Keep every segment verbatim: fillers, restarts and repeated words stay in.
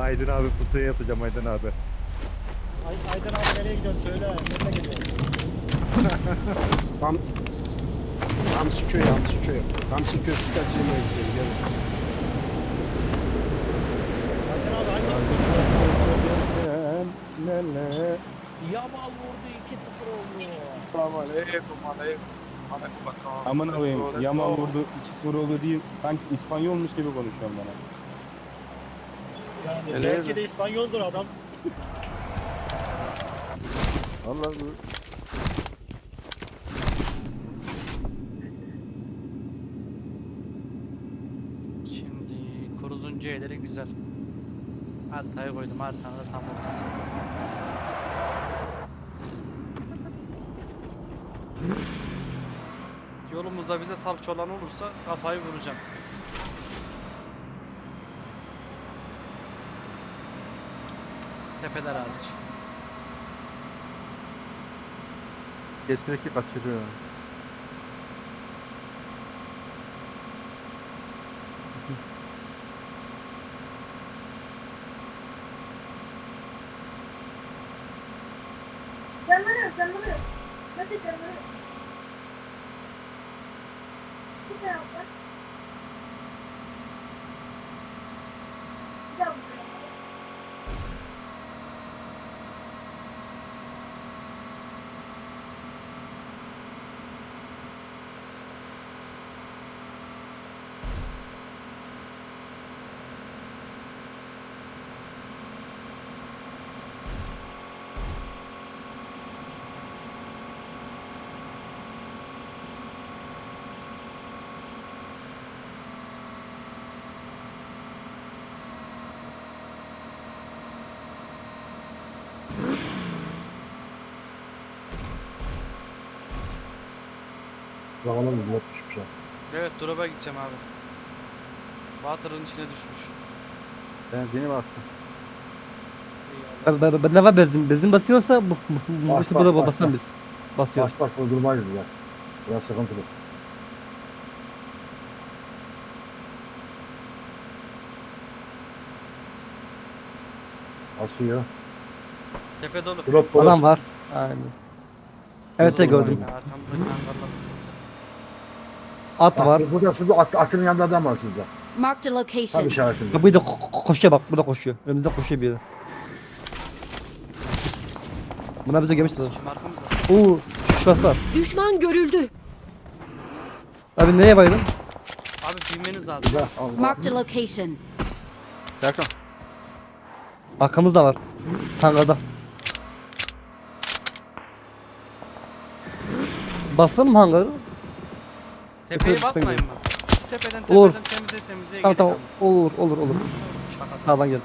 Aydın abi pusuya yatacağım Aydın abi. Ay, Aydın abi nereye gidiyorsun söyle. Nereye gidiyorsun? Tam Hamsi köy, Hamsi köy. Hamsi köy süper yemeğe gidelim. Gelin. Aydın abi hangi? Yamal vurdu iki sıfır oldu. Selamun aleyküm, aleyküm. Aleyküm bakalım. Aman abim Yaman vurdu iki sıfır oldu değil. Sanki İspanyolmuş gibi konuşuyor bana. Yani Öyle belki mi? de İspanyoldur adam. Allah bu. Şimdi kuruzun C'leri güzel. Haritayı koydum. Haritanın da tam ortası. Yolumuzda bize salça olan olursa kafayı vuracağım. Tepeler hariç. Kesinlikle kaçırıyor. Canları, canları. Hadi canları. Bir daha alsak. Bir daha alsak. Zamanı mı? Yok düşmüş ha. Evet, drop'a gideceğim abi. Water'ın içine düşmüş. Benzini bastım. Eyvallah. Ben, ben, ben ne var benzin? Benzin basıyorsa bu bu bu Bas, işte bas, burada bas, basan bas. biz. Basıyor. Baş baş durmayız ya. Biraz sıkıntılı. Asıyor. Tepe dolu. Drop dolu. Adam var. Aynen. Evet de gördüm. Ya, arkamızdaki hangarlar sıkıntı. At Bak, var. Burada şurada at, atın yanında adam var şurada. Marked a Tam location. işaretinde. Ha, bu da ko- ko- koşuyor bak. Bu da koşuyor. Önümüzde koşuyor bir yere. Buna bize gelmişler. Şimdi arkamızda. Oo, şurası var. Düşman görüldü. Abi nereye baydın? Abi bilmeniz lazım. Burada. Allah. Marked a location. Serkan. Arkamızda var. Tanrı'da. Basalım hangarı. Tepeye Üstüne basmayın gidelim. mı? Şu tepeden Olur. tepeden temizleye temizleye Tamam tamam. geliyor. Olur olur olur. Şaka. Sağdan gel.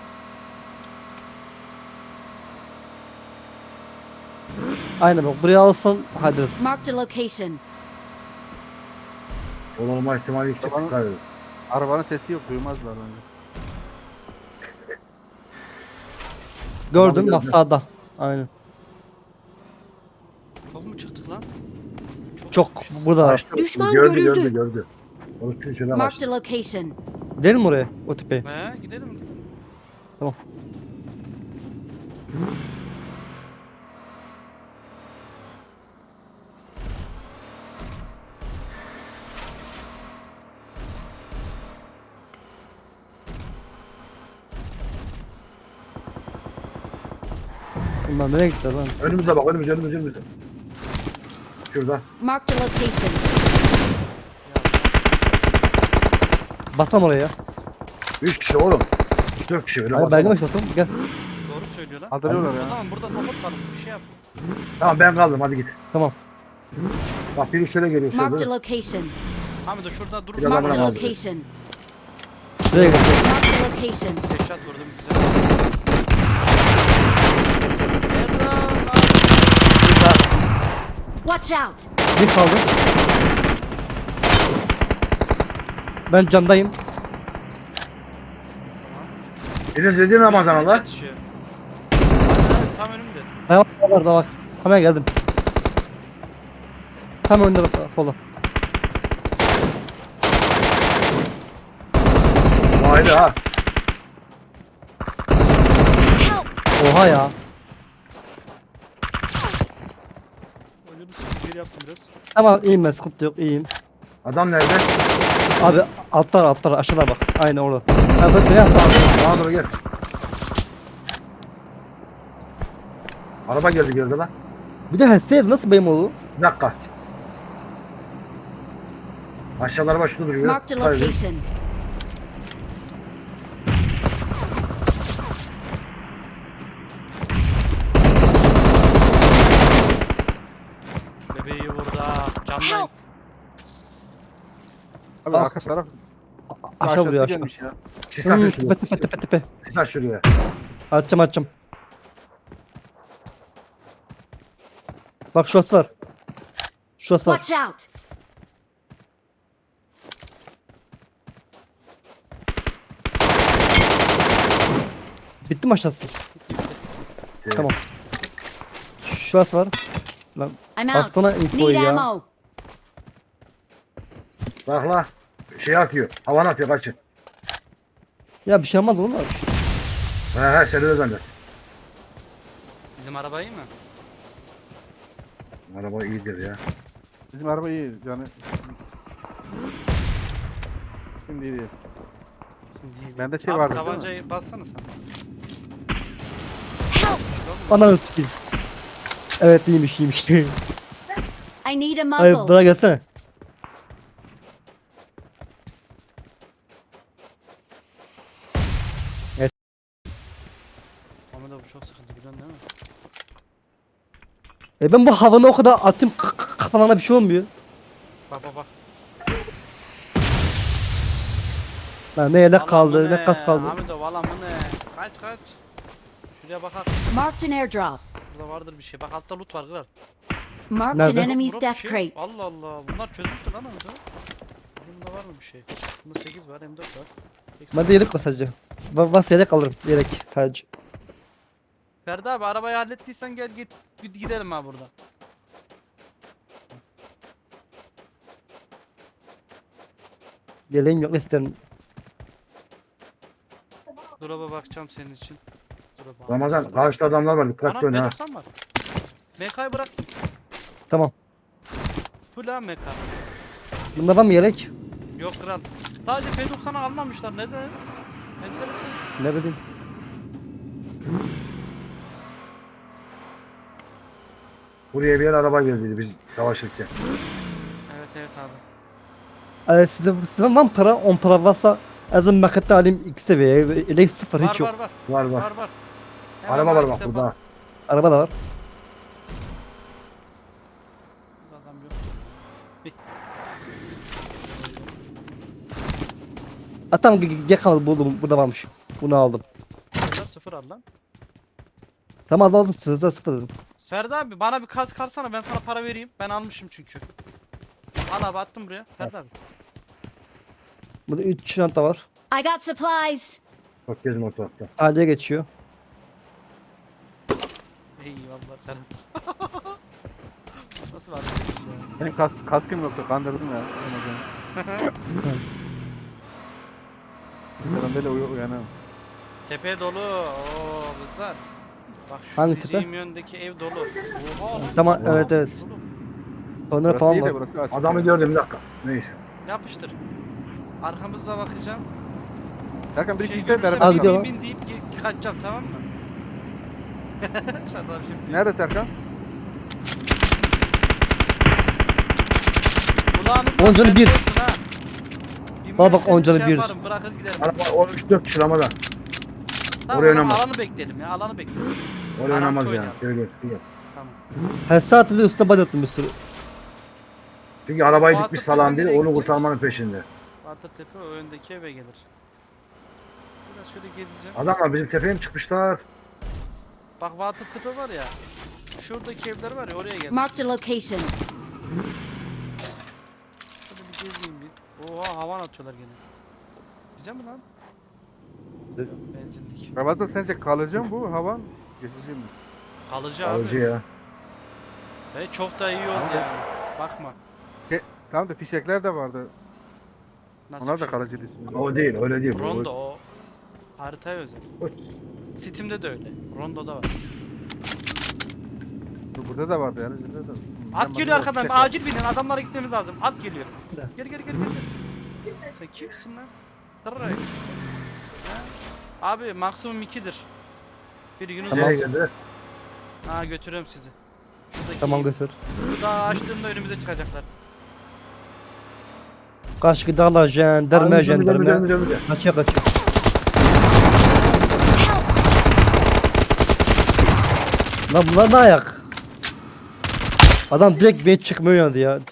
Aynen bak. Buraya alsan hallederiz. Marked a location. Olma ihtimali yüksek. Tamam. Dikkat edin. Arabanın sesi yok duymazlar bence. Gördüm Tamam, bak gördüm. sağda. Aynen. Çok mu çıktık lan? Çok çıkmışız. burada var. Kaçtı. Düşman gördü, görüldü. Gördü gördü. Onu tüm şöyle Marked kaçtı. a location. Gidelim mi oraya? O tepeye. He gidelim gidelim. Tamam. Bunlar nereye gittiler lan? Önümüze bak önümüze önümüze önümüze. Şurada. Marked a location. Basam oraya ya. Üç kişi oğlum. Üç dört kişi öyle Hayır basalım. baygın baş basam. Gel. Doğru söylüyor lan. Kaldırıyorlar O ya. zaman burada support var. Bir şey yap. Tamam ben kaldım hadi git. Tamam. Bak biri şöyle geliyor Marked a şöyle. location. Hamid de şurada dur. Biraz Marked a Tamam, abi. location. Nereye gidiyor? Marked a location. Headshot vurdum güzel. Erdoğan. Watch out. Bir kaldı. Ben candayım. Biriniz dediğin Ramazan Allah. Yetişiyor. Tam önümde. Dayak var da bak. Hemen geldim. Tam önde bak sola. Haydi ha. Oha ya. Oyunu sıkıntı geri yaptım biraz. Tamam iyiyim ben sıkıntı yok iyiyim. Adam nerede? Abi altlar altlar aşağıda bak. Aynen orada. Abi bak beyaz abi. Bana doğru gel. Araba geldi geride lan. Bir de hesseydi nasıl benim oldu? Bir dakika. Aşağıda araba şurada duruyor. Marked a Hayır. location. Bebeği burada. Camdayım. Help! Abi Ah. arka taraf Aşağı aşağısı vuruyor aşağı. gelmiş ya. Sis Hmm, atıyor tepe şuraya. tepe tepe tepe. Sis at şuraya. Açacağım açacağım. Bak şurası var. Şurası var. Watch out! Bitti mi aşağısı? Tamam. Şurası var. Lan I'm out. Bassana infoyu Need ya. ammo. Bak la. Şey atıyor. Havan atıyor kaçın. Ya bir şey olmaz oğlum. He he seni de zannet. Bizim araba iyi mi? Araba iyidir ya. Bizim araba iyi canı. Şimdi iyi değil. Şimdi iyi. Bende şey Abi vardı değil mi? tabancayı bassana sen. Ananı sikeyim. Evet iyiymiş iyiymiş. I need a Hayır muzzle. bana gelsene. Ama da bu çok sıkıntı biliyorsun değil mi? E ben bu havanı o kadar attım k- k- kafalarına bir şey olmuyor. Bak bak bak. Lan ne yelek Alan kaldı bu ne kas kaldı. Hamido valla bu ne? Kaç kaç. Şuraya bakar. Marked an airdrop. Burada vardır bir şey. Bak altta loot var kırar. Marked an Nerede? enemy's Burada bir death şey. crate. Allah Allah. Bunlar çözmüştür lan Hamido. Bunda var mı bir şey? Bunda sekiz var, M dört var. Ben de yelek var sadece. Ben bas yelek alırım yelek sadece. Ferdi abi arabayı hallettiysen gel git git gidelim ha burada. Yeleğim yok isterim. Drop'a bakacağım senin için. Drop'a. Ramazan karşıda adamlar var. Dikkatli Ana ol M ha. doksan var. M K'yı bıraktım. Tamam. Full ha M K. Bunda var mı yelek? Yok kral. Sadece P doksan'ı almamışlar. Neden? Enteresan. Ne bileyim. Buraya bir yer araba geldi biz savaşırken. Evet evet abi. Ee, sizde, sizde var mı para? on para varsa azın makette alayım iki seviye. Yelek sıfır Var hiç yok. var var. Var var. Var var. Hemen Araba var bak markete burada. Araba da var. Adam yok. Ha tamam ge- ge kaldı buldum. Burada varmış. Bunu aldım. Burada sıfır al lan. Tamam az aldım sizde sıfır dedim. Ferdi abi bana bir kask kalsana ben sana para vereyim. Ben almışım çünkü. Al abi attım buraya. Ferdi abi. Burada üç çanta var. I got supplies. Bak gezim ortalıkta. Taliye geçiyor. Eyvallah Ferdi. Nasıl var? Benim kask, kaskım yoktu kandırdım ya. Ben böyle uy uyanıyorum. Tepe dolu. Oo kızlar. Bak şu Hangi diyeceğim tepe? yöndeki ev dolu. Oha lan. Tamam Wow. evet evet. Oğlum, Onlar Burası falan iyi de var. burası açık. Adamı ya. gördüm bir dakika. Neyse. Yapıştır. Arkamızda bakacağım. Serkan bir Şey iki ister görürsem Al beraber. bin, gidiyor bin, lan. bin deyip ge- kaçacağım tamam mı? Şaka şimdi. Nerede Serkan? Kulağınızdan On canı ben bir. diyorsun ha. Bana bak, Bilmezseniz on canı şey bir. yaparım, bırakır giderim. Araba on üç dört kişi Ramazan. Tamam, oraya tamam, oynamaz. alanı bekleyelim ya alanı bekleyelim. Oraya Garanti oynamaz yani. oynayalım. Gel gel gel. Tamam. Her saat bir de üstüne body attım bir sürü. Çünkü arabayı Fuat dikmiş Tepe salan biri nereye onu gidecek? kurtarmanın peşinde. Batırtepe o öndeki eve gelir. Biraz şöyle gezeceğim. Adamlar bizim tepeye mi çıkmışlar? Bak Batırtepe var ya. Şuradaki evler var ya oraya gelir. Marked a location. Şöyle bir gezeyim bir. Oha havan atıyorlar gene. Bize mi lan? Bize. Benzinlik. Ramazan sence kalıcı mı bu hava? Geçici mi? Kalıcı Alıcı abi. ya. Ve çok da iyi oldu Tamam. yani. Bakma. Tamam da fişekler de vardı. Nasıl Onlar bir da şey? kalıcı değil. O değil öyle değil. Rondo O, o. Haritaya özel. Steam'de de öyle. Rondo'da var. Bu- Burada da vardı yani. Burada da. At geliyor arkadan. Acil binin. Adamlara gitmemiz lazım. At geliyor. Gel gel gel gel. Sen kimsin lan? Tırray. Abi maksimum ikidir. Bir Yunus Tamam. Nereye geldi? Ha götürüyorum sizi. Şuradaki Tamam götür. Daha açtığımda önümüze çıkacaklar. Kaç gidarlar jandarma Önümüze, jandarma. önümüze, önümüze. Kaçıyor kaçıyor. Lan bunlar ne ayak? Adam direkt beni çıkmıyor yandı ya.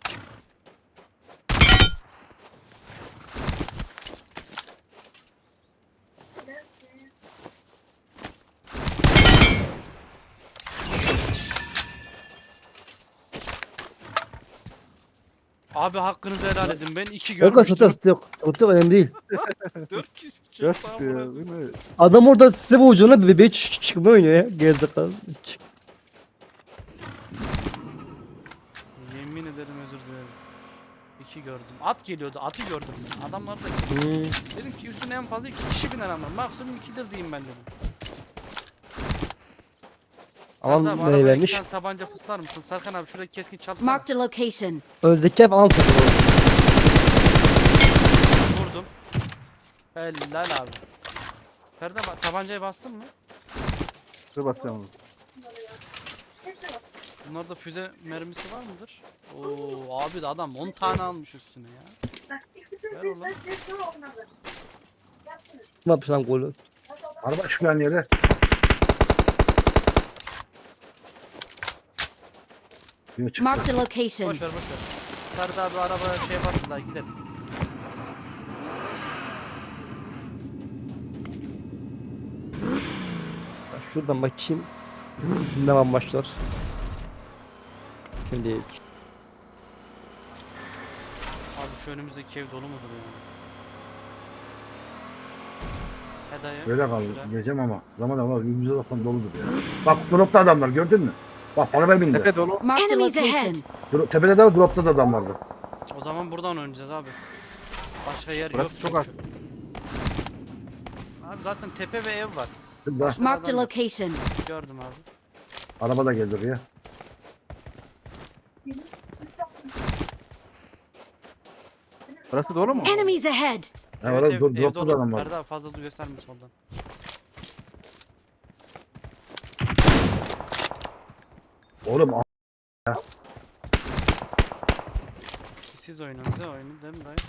Abi hakkınızı helal edin. Ben iki Yok görmüştüm. sıkıntı yok. Sıkıntı yok önemli değil. Dört kişi çıktı Dört amına diyor koyayım. değil mi? Adam orada size bu ucuna bebeği çık çıkmıyor oynuyor ya. Gerizekalı. Çık. Yemin ederim özür dilerim. İki gördüm. At geliyordu. Atı gördüm ben. Adamlar da Hmm. dedim ki üstüne en fazla iki kişi biner ama. Maksimum ikidir diyeyim ben dedim. Aman Serdar, bu ne arabaya vermiş? iki tane tabanca fıslar mısın? Serkan abi şuradaki keskin çalsana. Marked a location. Özdeki ev Ankara. Vurdum. Helal abi. Serdar bak tabancaya bastın mı? Dur basacağım onu. Bunlarda füze mermisi var mıdır? Oo abi de adam on tane almış üstüne ya. Ver oğlum. Ne yapmış lan golü? Araba çıkıyor yere. Yok çıktı. Marked a location. Boş ver boş ver. Serdar abi arabaya şey basın daha gidelim. Şuradan bakayım. Ne var başlar? Şimdi Abi şu önümüzdeki ev dolu mudur ya? He dayı. Böyle kaldı. şuraya. Geleceğim ama. Zaman ama yüzümüze bakın doludur ya. Bak dropta adamlar gördün mü? Bak arabaya bindi. Tepe dolu. Marked a Enemies location. ahead. Dro- Tepede de var, dropta da adam vardı. O zaman buradan oynayacağız abi. Başka yer Burası yok. çok çünkü. az. Abi zaten tepe ve ev var. Şurada. Marked a location. Gördüm abi. Araba da geldi oraya. Burası dolu mu? Enemies ahead. Ha, orada ev, dro- ev dropta da dolu. adam vardı. Ferdi abi fazla gösterme soldan. Oğlum a- Siz oynayın, siz oynayın değil mi dayı?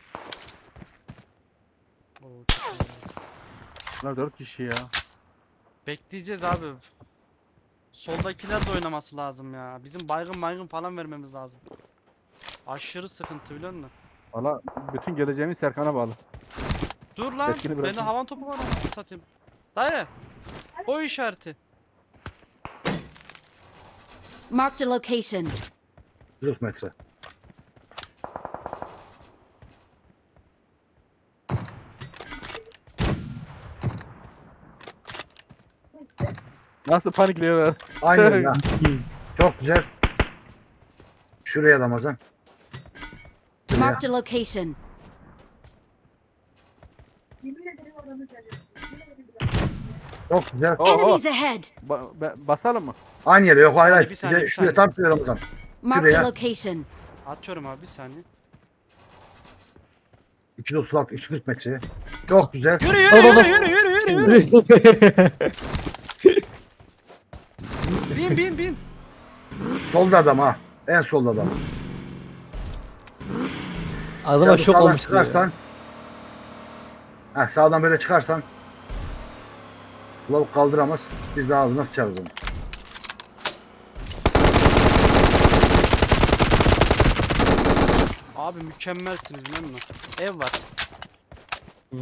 Oo, çok iyi. Bunlar dört kişi ya. Bekleyeceğiz abi. Soldakiler de oynaması lazım ya. Bizim baygın baygın falan vermemiz lazım. Aşırı sıkıntı biliyor musun? Valla bütün geleceğimiz Serkan'a bağlı. Dur lan. Teskini Bende bırakın. havan topu var anasını satayım. Dayı. O işareti. Marked a location. kırk metre. Nasıl panikliyorlar? Aynen ya. Çok güzel. Şuraya Ramazan. Şuraya. Marked a location. Çok güzel. Oh, oh. Enemies ahead. Ba- be- basalım mı? Aynı yere yok hayır hayır. Bir Bir saniye, de bir şuraya saniye. tam şuraya Ramazan. Marked a Şuraya. location. Atıyorum abi bir saniye. iki yüz otuz altı, iki yüz kırk metreye. Çok güzel. Yürü yürü Baba yürü bas- yürü yürü yürü yürü. Bin bin bin. Solda adam ha. En solda adam. Adama Sen şok sağdan olmuş. çıkarsan. Heh, sağdan böyle çıkarsan. Lavuk kaldıramaz. Biz de ağzına sıçarız onu. Abi mükemmelsiniz biliyor musun? Ev var. Hı.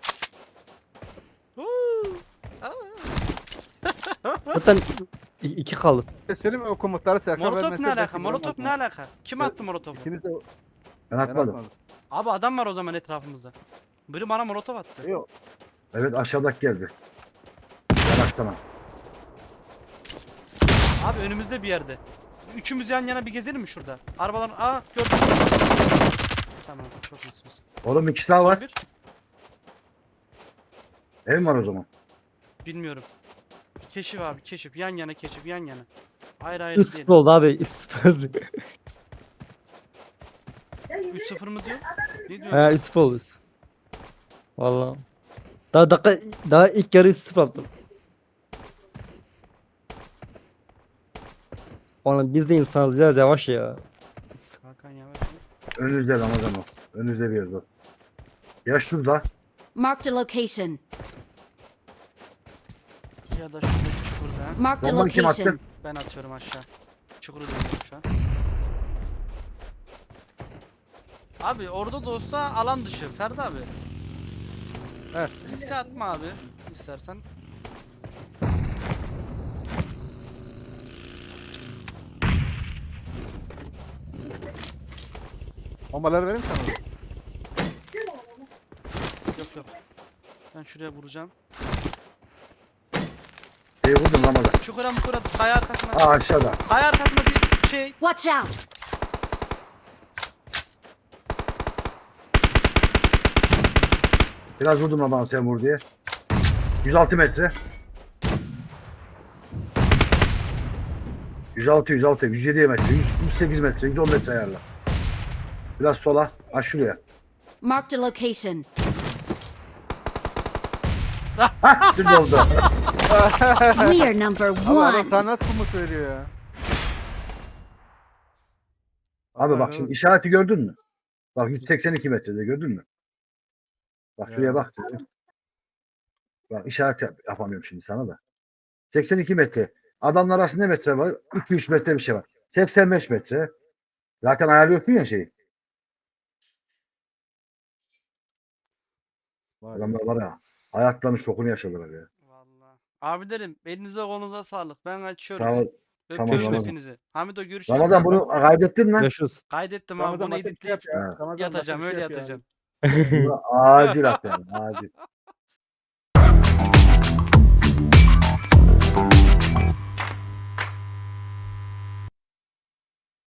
Huu. Aa. Zaten i- iki kaldı. Söyleyeyim mi o komutları Serkan Molotof vermezse ne alaka? belki Molotof ne vuramaz. alaka? Kim attı molotofu? İkiniz de Ben ben atmadım. atmadım. Abi adam var o zaman etrafımızda. Biri bana molotof attı. Yok. Evet aşağıdaki geldi. Yavaşlama. Abi önümüzde bir yerde. Üçümüz yan yana bir gezelim mi şurada? Arabaların... Aa gördüm. Tamam çok iyisiniz. Oğlum ikisi daha var. Bir. Ev var o zaman. Bilmiyorum. Keşif abi keşif. Yan yana keşif yan yana. Ayrı ayrı üç değil. sıfır oldu abi. üç sıfır. üç sıfır mı diyor? Ne diyor? He üç sıfır oldu. Valla. Daha dakika daha ilk yarı üç sıfır yaptım. Oğlum biz de insanız biraz yavaş ya. Hakan yavaş. Önünüzde Ramazan o. Önünüzde bir yerde o. Ya şurada. Marked a location. Ya da şuradaki çukurda. Marked a Bombayı kim attı? location. Ben atıyorum aşağı. Çukuru dönüyorum şu an. Abi orada da olsa alan dışı Ferdi abi. Evet. Riske atma abi istersen. Bombaları vereyim sana. Yok yok. Ben şuraya vuracağım. İyi vurdun Ramazan. Çukura mukura kaya arkasına. Aa aşağıda. Kaya arkasına bir şey. Watch out! Biraz vurdum Ramazan sen vur diye. yüz altı metre. yüz altı, yüz altı, yüz yedi metre, yüz, yüz sekiz metre, yüz on metre ayarla. Biraz sola, ha şuraya. Marked a location. Hah, şimdi oldu. We are number Ama adam one. sana nasıl komut veriyor ya? Abi Allah bak razı şimdi olsun. işareti gördün mü? Bak yüz seksen iki metrede gördün mü? Bak şuraya Ya. bak. Bak işaret yap- yapamıyorum şimdi sana da. seksen iki metre. Adamlar arasında ne metre var? iki üç metre bir şey var. seksen beş metre. Zaten ayarlıyorsun ya şeyi. Vay. Adamlar var ya. Hayatlarının şokunu yaşadılar ya. Vallahi. Abilerim elinize kolunuza sağlık. Ben açıyorum. Sağ ol. Öpüyorum Tamam, Ramazan. hepinizi. Hamido görüşürüz. Ramazan bunu kaydettin mi? Görüşürüz. Kaydettim abi. Ramazan Bunu başka bir şey yap editleyip ya. Ramazan başka yatacağım bir şey öyle yap ya. yatacağım. Bunu acil at yani. Acil.